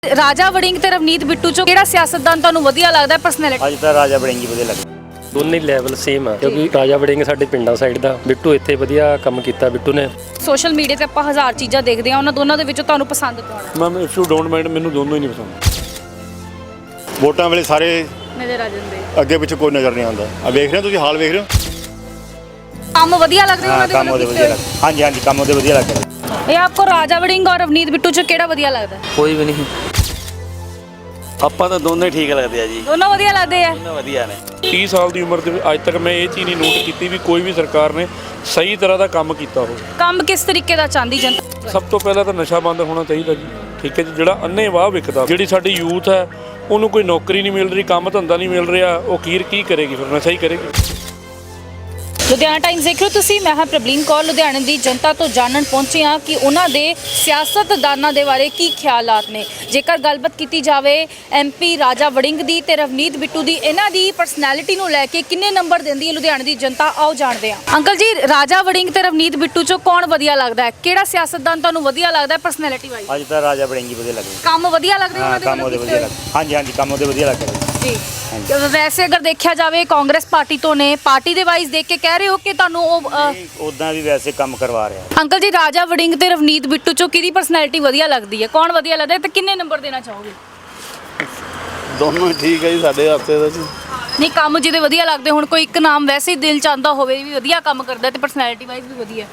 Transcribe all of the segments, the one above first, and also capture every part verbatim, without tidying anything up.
राजा वड़िंग ते रवनीत बिट्टू चो किहड़ा सियासतदान तुहानूं वधिया लगदा है पर्सनैलिटी? ਅੱਜ ਤਾਂ ਰਾਜਾ ਵੜਿੰਗ ਹੀ ਵਧੀਆ ਲੱਗਦਾ। ਦੋਨੇ ਲੈਵਲ ਸੇਮ ਆ ਕਿਉਂਕਿ ਰਾਜਾ ਵੜਿੰਗ ਸਾਡੇ ਪਿੰਡਾਂ ਸਾਈਡ ਦਾ, ਬਿੱਟੂ ਇੱਥੇ ਵਧੀਆ ਕੰਮ ਕੀਤਾ ਬਿੱਟੂ ਨੇ। ਸੋਸ਼ਲ ਮੀਡੀਆ ਤੇ ਆਪਾਂ ਹਜ਼ਾਰ ਚੀਜ਼ਾਂ ਦੇਖਦੇ ਆ, ਉਹਨਾਂ ਦੋਨਾਂ ਦੇ ਵਿੱਚੋਂ ਤੁਹਾਨੂੰ ਪਸੰਦ ਕੌਣ ਹੈ? Ma'am if you don't mind ਮੈਨੂੰ ਦੋਨੋਂ ਹੀ ਨਹੀਂ ਪਸੰਦ। ਵੋਟਾਂ ਵੇਲੇ ਸਾਰੇ ਨਜ਼ਰ ਆ ਜਾਂਦੇ, ਅੱਗੇ ਪਿੱਛੇ ਕੋਈ ਨਜ਼ਰ ਨਹੀਂ ਆਉਂਦਾ। ਆ ਵੇਖ ਰਹੇ ਹੋ ਤੁਸੀਂ, ਹਾਲ ਵੇਖ ਰਹੇ ਹੋ। ਕੰਮ ਵਧੀਆ ਲੱਗਦੇ ਹਾਂ ਉਹਨਾਂ ਦੇ? ਕੰਮ ਉਹਦੇ ਵਧੀਆ ਲੱਗਦਾ। ਹਾਂਜੀ ਹਾਂਜੀ ਕੰਮ ਉਹਦੇ ਵਧੀਆ ਲੱਗਦਾ। ਇਹ ਆਪਕੋ ਰਾਜਾ ਵੜਿੰਗ और रवनीत बिट्टू चो ਕਿਹੜਾ ਵਧੀਆ ਲੱਗਦਾ? ਕੋਈ ਵੀ ਨਹੀਂ। ਆਪਾਂ ਤਾਂ ਦੋਨੇ ਠੀਕ ਲੱਗਦੇ ਆ ਜੀ, ਦੋਨੋਂ ਵਧੀਆ ਲੱਗਦੇ ਆ। ਦੋਨੋਂ ਵਧੀਆ ਨੇ। ਤੀਹ ਸਾਲ ਦੀ ਉਮਰ ਦੇ ਵਿੱਚ ਅੱਜ ਤੱਕ ਮੈਂ ਇਹ ਚੀਜ਼ ਨਹੀਂ ਨੋਟ ਕੀਤੀ ਵੀ ਕੋਈ ਵੀ ਸਰਕਾਰ ਨੇ ਸਹੀ ਤਰ੍ਹਾਂ ਦਾ ਕੰਮ ਕੀਤਾ ਹੋਵੇ। ਕੰਮ ਕਿਸ ਤਰੀਕੇ ਦਾ ਚਾਹੁੰਦੀ ਜਨਤਾ? ਸਭ ਤੋਂ ਪਹਿਲਾਂ ਤਾਂ ਨਸ਼ਾ ਬੰਦ ਹੋਣਾ ਚਾਹੀਦਾ ਜੀ, ਠੀਕ ਹੈ ਜੀ। ਜਿਹੜਾ ਅੰਨੇ ਵਾਹ ਵਿਕਦਾ, ਜਿਹੜੀ ਸਾਡੀ ਯੂਥ ਹੈ ਉਹਨੂੰ ਕੋਈ ਨੌਕਰੀ ਨਹੀਂ ਮਿਲ ਰਹੀ, ਕੰਮ ਧੰਦਾ ਨਹੀਂ ਮਿਲ ਰਿਹਾ, ਉਹ ਕੀ ਕੀ ਕਰੇਗੀ ਫਿਰ? ਨਸ਼ਾ ਹੀ ਕਰੇਗੀ। ਲੁਧਿਆਣਾ ਟਾਈਮਜ਼ ਦੇਖ ਰਹੇ ਹੋ ਤੁਸੀਂ, ਮੈਂ ਹਾਂ ਪ੍ਰਬਲੀਨ ਕੌਰ। ਲੁਧਿਆਣੇ ਦੀ ਜਨਤਾ ਤੋਂ ਜਾਣਨ ਪਹੁੰਚੇ ਹਾਂ ਕਿ ਉਹਨਾਂ ਦੇ ਸਿਆਸਤਦਾਨਾਂ ਦੇ ਬਾਰੇ ਕੀ ਖਿਆਲਾਤ ਨੇ। ਜੇਕਰ ਗੱਲਬਾਤ ਕੀਤੀ ਜਾਵੇ ਐਮਪੀ ਰਾਜਾ ਵੜਿੰਗ ਦੀ ਤੇ ਰਵਨੀਤ ਬਿੱਟੂ ਦੀ, ਇਹਨਾਂ ਦੀ ਪਰਸਨੈਲਿਟੀ ਨੂੰ ਲੈ ਕੇ ਕਿੰਨੇ ਨੰਬਰ ਦਿੰਦੀ ਹੈ ਲੁਧਿਆਣੇ ਦੀ ਜਨਤਾ, ਆਓ ਜਾਣਦੇ ਹਾਂ। ਅੰਕਲ ਜੀ, ਰਾਜਾ ਵੜਿੰਗ ਤੇ ਰਵਨੀਤ ਬਿੱਟੂ ਚੋਂ ਕੌਣ ਵਧੀਆ ਲੱਗਦਾ ਹੈ? ਕਿਹੜਾ ਸਿਆਸਤਦਾਨ ਤੁਹਾਨੂੰ ਵਧੀਆ ਲੱਗਦਾ ਹੈ ਪਰਸਨੈਲਿਟੀ ਵਾਈਜ਼? ਅੱਜ ਤਾਂ ਰਾਜਾ ਵੜਿੰਗ ਹੀ ਵਧੀਆ ਲੱਗਦਾ। ਕੰਮ ਵਧੀਆ ਲੱਗਦੇ ਹਾਂ ਉਹਨਾਂ ਦੇ? ਕੰਮ ਉਹਦੇ ਵਧੀਆ ਲੱਗਦਾ। ਹਾਂਜੀ ਹਾਂਜੀ ਕੰਮ ਉਹਦੇ ਵਧੀਆ ਲੱਗਦਾ ਜੀ। ਵੈਸੇ ਅਗਰ ਦੇਖਿਆ ਜਾਵੇ ਕਾਂਗਰਸ ਪਾਰਟੀ ਤੋਂ ਨੇ, ਪਾਰਟੀ ਦੇ ਵਾਈਜ਼ ਦੇਖ ਕੇ ਕਹਿ ਰਹੇ ਹੋ ਕਿ ਤੁਹਾਨੂੰ ਉਹ ਅ, ਉਦਾਂ ਵੀ ਵੈਸੇ ਕੰਮ ਕਰਵਾ ਰਿਹਾ। ਅੰਕਲ ਜੀ, ਰਾਜਾ ਵੜਿੰਗ ਤੇ ਰਵਨੀਤ ਬਿੱਟੂ ਚੋਂ ਕਿਹਦੀ ਪਰਸਨੈਲਿਟੀ ਵਧੀਆ ਲੱਗਦੀ ਹੈ? ਕੌਣ ਵਧੀਆ ਲੱਗਦਾ ਹੈ ਤੇ ਕਿੰਨੇ ਨੰਬਰ ਦੇਣਾ ਚਾਹੋਗੇ? ਦੋਨੋਂ ਠੀਕ ਹੈ ਜੀ ਸਾਡੇ ਹੱਥੇ ਦਾ ਜੀ। ਨਹੀਂ, ਕੰਮ ਜਿਹਦੇ ਵਧੀਆ ਲੱਗਦੇ, ਹੁਣ ਕੋਈ ਇੱਕ ਨਾਮ ਵੈਸੇ ਹੀ ਦਿਲ ਚ ਆਉਂਦਾ ਹੋਵੇ ਵੀ ਵਧੀਆ ਕੰਮ ਕਰਦਾ ਤੇ ਪਰਸਨੈਲਿਟੀ ਵਾਈਜ਼ ਵੀ ਵਧੀਆ?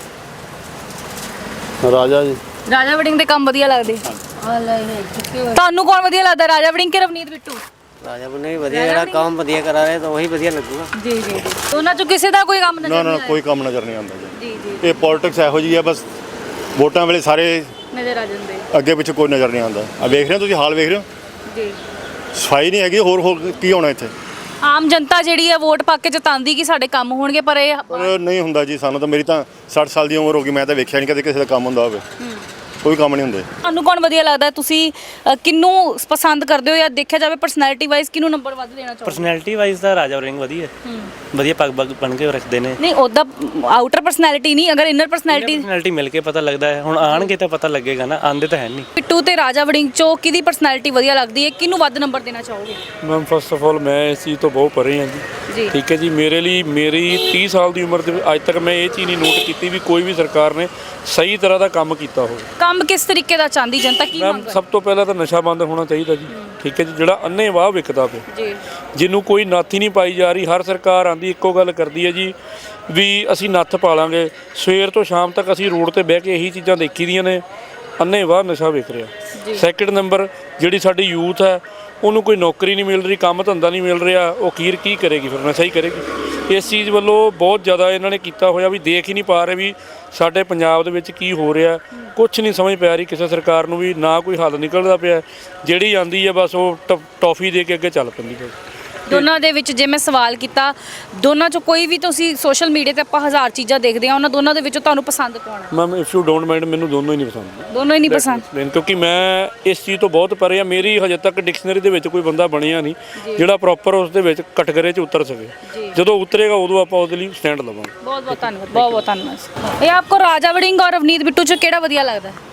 ਰਾਜਾ ਜੀ। ਰਾਜਾ ਵੜਿੰਗ ਦੇ ਕੰਮ ਵਧੀਆ ਲੱਗਦੇ। ਤੁਹਾਨੂੰ ਕੌਣ ਵਧੀਆ ਲੱਗਦਾ, ਰਾਜਾ ਵੜਿੰਗ ਕਿ ਰਵਨੀਤ ਬਿੱਟੂ? ਰਾਜਾ ਬਣੇ ਵੀ ਵਧੀਆ, ਜਿਹੜਾ ਕੰਮ ਵਧੀਆ ਕਰਾ ਰਿਹਾ ਤਾਂ ਉਹੀ ਵਧੀਆ ਲੱਗੂਗਾ। ਜੀ ਜੀ ਜੀ। ਉਹਨਾਂ ਚੋਂ ਕਿਸੇ ਦਾ ਕੋਈ ਕੰਮ ਨਜ਼ਰ ਨਾ ਨਹੀਂ ਨਾ ਆਇਆ? ਕੋਈ ਕੰਮ ਨਜ਼ਰ ਨਹੀਂ ਆਉਂਦਾ ਜੀ। ਜੀ ਜੀ ਇਹ ਪੋਲਿਟਿਕਸ ਇਹੋ ਜਿਹੀ ਹੈ, ਬਸ ਵੋਟਾਂ ਵੇਲੇ ਸਾਰੇ ਨਜ਼ਰ ਆ ਜਾਂਦੇ। ਅੱਗੇ ਪਿੱਛੇ ਕੋਈ ਨਜ਼ਰ ਨਹੀਂ ਆਉਂਦਾ। ਆ ਵੇਖ ਰਹੇ ਹੋ ਤੁਸੀਂ, ਹਾਲ ਵੇਖ ਰਹੇ ਹੋ। ਜੀ। ਸਫਾਈ ਨਹੀਂ ਹੈਗੀ, ਹੋਰ ਹੋਰ ਕੀ ਹੋਣਾ ਇੱਥੇ? ਆਮ ਜਨਤਾ ਜਿਹੜੀ ਹੈ ਵੋਟ ਪਾ ਕੇ ਜਤਾਉਂਦੀ ਕਿ ਸਾਡੇ ਕੰਮ ਹੋਣਗੇ, ਪਰ ਇਹ ਪਰ ਨਹੀਂ ਹੁੰਦਾ ਜੀ। ਸਾਨੂੰ ਤਾਂ, ਮੇਰੀ ਤਾਂ ਸੱਠ ਸਾਲ ਦੀ ਉਮਰ ਹੋ ਗਈ, ਮੈਂ ਤਾਂ ਵੇਖਿਆ ਨਹੀਂ ਕਦੇ ਕਿਸੇ ਦਾ ਕੰਮ ਹੁੰਦਾ ਹੋਵੇ। ਕੋਈ ਕੰਮ ਨਹੀਂ ਹੁੰਦੇ। ਤੁਹਾਨੂੰ ਕੌਣ ਵਧੀਆ ਲੱਗਦਾ? ਤੁਸੀਂ ਅ, ਕਿਹਨੂੰ ਪਸੰਦ ਕਰਦੇ ਹੋ, ਜਾਂ ਦੇਖਿਆ ਜਾਵੇ ਪਰਸਨੈਲਿਟੀ ਵਾਈਜ਼ ਕਿਹਨੂੰ ਨੰਬਰ ਵੱਧ ਦੇਣਾ ਚਾਹੋਗੇ? ਪਰਸਨੈਲਿਟੀ ਵਾਈਜ਼ ਤਾਂ ਰਾਜਾ ਵੜਿੰਗ ਵਧੀਆ, ਵਧੀਆ ਪੱਗ ਪੱਗ ਬਣ ਕੇ ਰੱਖਦੇ ਨੇ। ਨਹੀਂ, ਉਹਦਾ ਆਊਟਰ ਪਰਸਨੈਲਿਟੀ ਨਹੀਂ, ਅਗਰ ਇਨਰ ਪਰਸਨੈਲਿਟੀ। ਪਰਸਨੈਲਿਟੀ ਮਿਲ ਕੇ ਪਤਾ ਲੱਗਦਾ ਹੈ। ਹੁਣ ਆਣਗੇ ਤਾਂ ਪਤਾ ਲੱਗੇਗਾ ਨਾ, ਆਂਦੇ ਤਾਂ ਹੈ ਨਹੀਂ। ਬਿੱਟੂ ਤੇ ਰਾਜਾ ਵੜਿੰਗ ਚੋਂ ਕਿਹਦੀ ਪਰਸਨੈਲਿਟੀ ਵਧੀਆ ਲੱਗਦੀ ਹੈ? ਕਿਹਨੂੰ ਵੱਧ ਨੰਬਰ ਦੇਣਾ ਚਾਹੋਗੇ? ਮੈਮ ਫਸਟ ਆਫ ਆਲ ਮੈਂ ਇਸ ਚੀਜ਼ ਤੋਂ ਬਹੁਤ ਪਰੇ ਹਾਂ ਜੀ, ਜੀ। ਠੀਕ ਹੈ ਜੀ। ਮੇਰੇ ਲਈ, ਮੇਰੀ ਤੀਹ ਸਾਲ ਦੀ ਉਮਰ ਦੇ ਵਿੱਚ ਅੱਜ ਤੱਕ ਮੈਂ ਇਹ ਚੀਜ਼ ਨਹੀਂ ਨੋਟ ਕੀਤੀ ਵੀ ਕੋਈ ਵੀ ਸਰਕਾਰ ਨੇ ਸਹੀ ਤਰ੍ਹਾਂ ਦਾ ਕੰਮ ਕੀਤਾ ਹੋਵੇ। ਕੰਮ ਕਿਸ ਤਰੀਕੇ ਦਾ ਚਾਹੁੰਦੀ ਜਨਤਾ, ਕੀ ਮੈਮ ਮੰਗ ਸਭ ਤੋਂ ਪਹਿਲਾਂ ਤਾਂ ਨਸ਼ਾ ਬੰਦ ਹੋਣਾ ਚਾਹੀਦਾ ਜੀ, ਠੀਕ ਹੈ ਜੀ। ਜਿਹੜਾ ਅੰਨੇ ਵਾਹ ਵਿਕਦਾ ਪਿਆ, ਜੀ, ਜਿਹਨੂੰ ਕੋਈ ਨੱਥ ਹੀ ਨਹੀਂ ਪਾਈ ਜਾ ਰਹੀ। ਹਰ ਸਰਕਾਰ ਆਂਦੀ ਇੱਕੋ ਗੱਲ ਕਰਦੀ ਹੈ ਜੀ ਵੀ ਅਸੀਂ ਨੱਥ ਪਾ ਲਾਂਗੇ। ਸਵੇਰ ਤੋਂ ਸ਼ਾਮ ਤੱਕ ਅਸੀਂ ਰੋਡ ਤੇ ਬਹਿ ਕੇ ਇਹੀ ਚੀਜ਼ਾਂ ਦੇਖੀ ਦੀਆਂ ਨੇ, ਅੰਨੇ ਵਾਹ ਨਸ਼ਾ ਵਿਕ ਰਿਹਾ। ਸੈਕਿੰਡ ਨੰਬਰ, ਜਿਹੜੀ ਸਾਡੀ ਯੂਥ ਹੈ ਉਹਨੂੰ ਕੋਈ ਨੌਕਰੀ ਨਹੀਂ ਮਿਲ ਰਹੀ, ਕੰਮ ਧੰਦਾ ਨਹੀਂ ਮਿਲ ਰਿਹਾ, ਉਹ ਕੀ ਕੀ ਕਰੇਗੀ ਫਿਰ? ਨਸ਼ਾ ਹੀ ਕਰੇਗੀ। ਇਸ ਚੀਜ਼ ਵੱਲੋਂ ਬਹੁਤ ਜ਼ਿਆਦਾ ਇਹਨਾਂ ਨੇ ਕੀਤਾ ਹੋਇਆ ਵੀ ਦੇਖ ਹੀ ਨਹੀਂ ਪਾ ਰਹੇ ਵੀ ਸਾਡੇ ਪੰਜਾਬ ਦੇ ਵਿੱਚ ਕੀ ਹੋ ਰਿਹਾ। ਕੁਛ ਨਹੀਂ ਸਮਝ ਪੈ ਰਹੀ ਕਿਸੇ ਸਰਕਾਰ ਨੂੰ ਵੀ, ਨਾ ਕੋਈ ਹੱਲ ਨਿਕਲਦਾ ਪਿਆ। ਜਿਹੜੀ ਆਂਦੀ ਹੈ ਬਸ ਉਹ ਟ ਟੌਫੀ ਦੇ ਕੇ ਅੱਗੇ ਚੱਲ ਪੈਂਦੀ ਹੈ। ਦੋਨਾਂ ਦੇ ਵਿੱਚ ਜੇ ਮੈਂ ਸਵਾਲ ਕੀਤਾ, ਦੋਨਾਂ ਚੋਂ ਕੋਈ ਵੀ, ਤੁਸੀਂ ਸੋਸ਼ਲ ਮੀਡੀਆ ਤੇ ਆਪਾਂ ਹਜ਼ਾਰ ਚੀਜ਼ਾਂ ਦੇਖਦੇ ਆ, ਉਹਨਾਂ ਦੋਨਾਂ ਦੇ ਵਿੱਚੋਂ ਤੁਹਾਨੂੰ ਪਸੰਦ ਕੌਣ ਹੈ? Ma'am if you don't mind ਮੈਨੂੰ ਦੋਨੋਂ ਹੀ ਨਹੀਂ ਪਸੰਦ। ਦੋਨੋਂ ਹੀ ਨਹੀਂ ਪਸੰਦ? Explain, ਕਿਉਂਕਿ ਮੈਂ ਇਸ ਚੀਜ਼ ਤੋਂ ਬਹੁਤ ਪਰੇ ਆ। ਮੇਰੀ ਹਜੇ ਤੱਕ ਡਿਕਸ਼ਨਰੀ ਦੇ ਵਿੱਚ ਕੋਈ ਬੰਦਾ ਬਣਿਆ ਨਹੀਂ ਜਿਹੜਾ ਪ੍ਰੋਪਰ ਉਸ ਦੇ ਵਿੱਚ ਕਟਗਰੇ 'ਚ ਉਤਰ ਸਕੇ। ਜਦੋਂ ਉਤਰੇਗਾ ਉਦੋਂ ਆਪਾਂ ਉਹਦੇ ਲਈ ਸਟੈਂਡ ਲਵਾਂਗੇ। ਬਹੁਤ ਬਹੁਤ ਧੰਨਵਾਦ, ਬਹੁਤ ਬਹੁਤ ਧੰਨਵਾਦ। ਇਹ ਆਪਕੋ ਰਾਜਾ ਵੜਿੰਗ और रवनीत बिट्टू चो ਕਿਹੜਾ ਵਧੀਆ ਲੱਗਦਾ ਹੈ?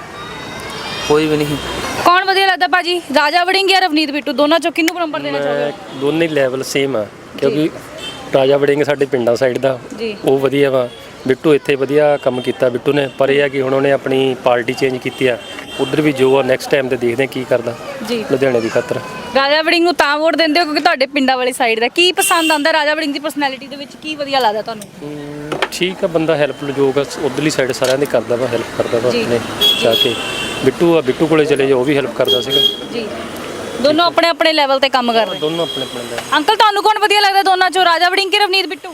ਕੋਈ ਵੀ ਨਹੀਂ। ਕੌਣ ਵਧੀਆ ਲੱਗਦਾ ਭਾਜੀ, ਰਾਜਾ ਵੜਿੰਗ ਜਾਂ ਰਵਨੀਤ ਬਿੱਟੂ? ਦੋਨਾਂ ਚੋਂ ਕਿਹਨੂੰ ਨੰਬਰ ਦੇਣਾ ਚਾਹੋਗੇ? ਦੋਨੇ ਲੈਵਲ ਸੇਮ ਆ ਕਿਉਂਕਿ ਰਾਜਾ ਵੜਿੰਗ ਸਾਡੇ ਪਿੰਡਾਂ ਸਾਈਡ ਦਾ, ਜੀ। ਉਹ ਵਧੀਆ ਵਾ। ਬਿੱਟੂ ਇੱਥੇ ਵਧੀਆ ਕੰਮ ਕੀਤਾ ਬਿੱਟੂ ਨੇ, ਪਰ ਇਹ ਆ ਕਿ ਹੁਣ ਉਹਨੇ ਆਪਣੀ ਪਾਰਟੀ ਚੇਂਜ ਕੀਤੀ ਆ। ਉਧਰ ਵੀ ਜੋ ਆ ਨੈਕਸਟ ਟਾਈਮ ਤੇ ਦੇਖਦੇ ਆ ਕੀ ਕਰਦਾ ਜੀ ਲੁਧਿਆਣੇ ਦੀ ਖਾਤਰ। ਰਾਜਾ ਵੜਿੰਗ ਨੂੰ ਤਾਂ ਵੋਟ ਦਿੰਦੇ ਹੋ ਕਿਉਂਕਿ ਤੁਹਾਡੇ ਪਿੰਡਾਂ ਵਾਲੀ ਸਾਈਡ ਦਾ। ਕੀ ਪਸੰਦ ਆਉਂਦਾ ਰਾਜਾ ਵੜਿੰਗ ਦੀ ਪਰਸਨੈਲਿਟੀ ਦੇ ਵਿੱਚ, ਕੀ ਵਧੀਆ ਲੱਗਦਾ ਤੁਹਾਨੂੰ? ਹਮ, ਠੀਕ ਆ, ਬੰਦਾ ਹੈਲਪ ਜੋ ਉਧਰਲੀ ਸਾਈਡ ਸਾਰਿਆਂ ਦੀ ਕਰਦਾ ਵਾ, ਹੈਲਪ ਕਰਦਾ ਵਾ ਜੀ। ਆਪਣੇ ਜਾ ਕੇ। ਬਿੱਟੂ ਆ, ਬਿੱਟੂ ਕੋਲੇ ਚਲੇ ਜਾਓ, ਉਹ ਵੀ ਹੈਲਪ ਕਰਦਾ ਸੀਗਾ। ਜੀ, ਦੋਨੋਂ ਆਪਣੇ ਆਪਣੇ ਲੈਵਲ ਤੇ ਕੰਮ ਕਰ ਰਹੇ। ਦੋਨੋਂ ਆਪਣੇ ਆਪਣੇ level। ਅੰਕਲ, ਤੁਹਾਨੂੰ ਕੌਣ ਵਧੀਆ ਲੱਗਦਾ ਦੋਨਾਂ ਚੋਂ, ਰਾਜਾ ਵੜਿੰਗ ਕਿ ਰਵਨੀਤ ਬਿੱਟੂ?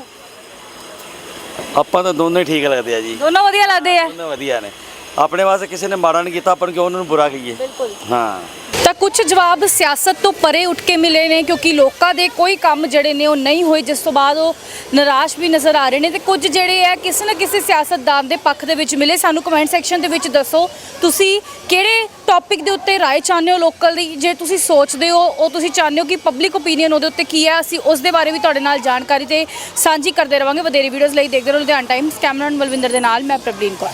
ਆਪਾਂ ਤਾਂ ਦੋਨੇ ਠੀਕ ਲੱਗਦੇ ਆ ਜੀ, ਦੋਨੋਂ ਵਧੀਆ ਲੱਗਦੇ ਆ। ਦੋਨੋਂ ਵਧੀਆ ਨੇ। ਆਪਣੇ ਵਾਸਤੇ ਕਿਸੇ ਨੇ ਮਾੜਾ ਨਹੀਂ ਕੀਤਾ, ਆਪਾਂ ਨੂੰ ਕਿਉਂ ਉਹਨਾਂ ਨੂੰ ਬੁਰਾ ਕਹੀਏ? ਬਿਲਕੁਲ। ਹਾਂ। ਤਾਂ ਕੁਝ ਜਵਾਬ ਸਿਆਸਤ ਤੋਂ ਪਰੇ ਉੱਠ ਕੇ ਮਿਲੇ ਨੇ, ਕਿਉਂਕਿ ਲੋਕਾਂ ਦੇ ਕੋਈ ਕੰਮ ਜਿਹੜੇ ਨੇ ਉਹ ਨਹੀਂ ਹੋਏ, ਜਿਸ ਤੋਂ ਬਾਅਦ ਉਹ ਨਿਰਾਸ਼ ਵੀ ਨਜ਼ਰ ਆ ਰਹੇ ਨੇ। ਤੇ ਕੁਝ ਜਿਹੜੇ ਹੈ ਕਿਸੇ ਨਾ ਕਿਸੇ ਸਿਆਸਤਦਾਨ ਦੇ ਪੱਖ ਦੇ ਵਿੱਚ ਮਿਲੇ। ਸਾਨੂੰ ਕਮੈਂਟ ਸੈਕਸ਼ਨ ਦੇ ਵਿੱਚ ਦੱਸੋ ਤੁਸੀਂ ਕਿਹੜੇ ਟੌਪਿਕ ਦੇ ਉੱਤੇ ਰਾਏ ਚਾਹੁੰਦੇ ਹੋ ਲੋਕਲ ਦੀ। ਜੇ ਤੁਸੀਂ ਸੋਚਦੇ ਹੋ, ਉਹ ਤੁਸੀਂ ਚਾਹੁੰਦੇ ਹੋ ਕਿ ਪਬਲਿਕ ਓਪੀਨੀਅਨ ਉਹਦੇ ਉੱਤੇ ਕੀ ਹੈ, ਅਸੀਂ ਉਸ ਦੇ ਬਾਰੇ ਵੀ ਤੁਹਾਡੇ ਨਾਲ ਜਾਣਕਾਰੀ ਤੇ ਸਾਂਝੀ ਕਰਦੇ ਰਵਾਂਗੇ। ਵਧੇਰੇ ਵੀਡੀਓਜ਼ ਲਈ ਦੇਖਦੇ ਰਹੋ ਲੁਧਿਆਣਾ ਟਾਈਮਜ਼। ਕੈਮਰਾਮੈਨ ਬਲਵਿੰਦਰ ਦੇ ਨਾਲ ਮੈਂ ਪ੍ਰਬਲੀਨ ਕੌਰ।